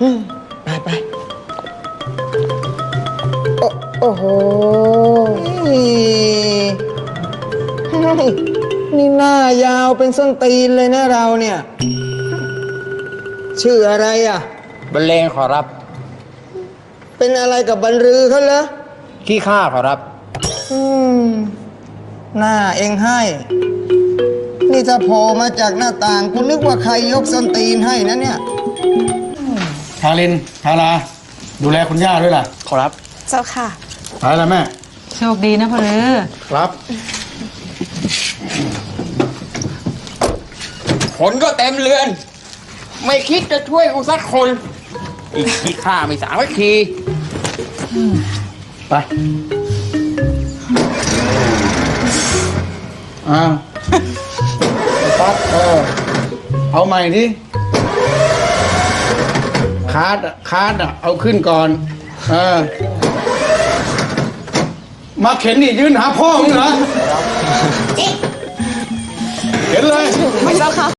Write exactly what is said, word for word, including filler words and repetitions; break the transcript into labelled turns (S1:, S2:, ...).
S1: ไปไปโอ้โหนี่หน้ายาวเป็นส้นตีนเลยนะเราเนี่ยชื่ออะไรอ่ะ
S2: บรรเลงขอรับ
S1: เป็นอะไรกับบรรลือเขาเหรอ
S2: ขี้ข้าขอรับ
S1: อืมหน้าเองให้นี่ถ้าโผล่มาจากหน้าต่างกูนึกว่าใครยกส้นตีนให้นะเนี่ย
S3: ทารินทาราดูแลคุณย่าด้วยล่ะ
S2: ขอรับ
S4: เจ้าค่ะ
S3: ไปแล้วแม่
S5: โชคดีนะพ่อเลือ
S3: ครับ
S2: ผลก็เต็มเรือนไม่คิดจะช่วยกูสักคนอีกขี้ข้าไม่สามัคคี
S3: ไปอ้าวปั๊บเออเอาใหม่ดิคาร์ดคาร์ดอ่ะเอาขึ้นก่อนเออมาเข็นนี่ยืนหาพ่อมึงเหรอเข็นเลย
S4: ไม่เจ้าค่ะ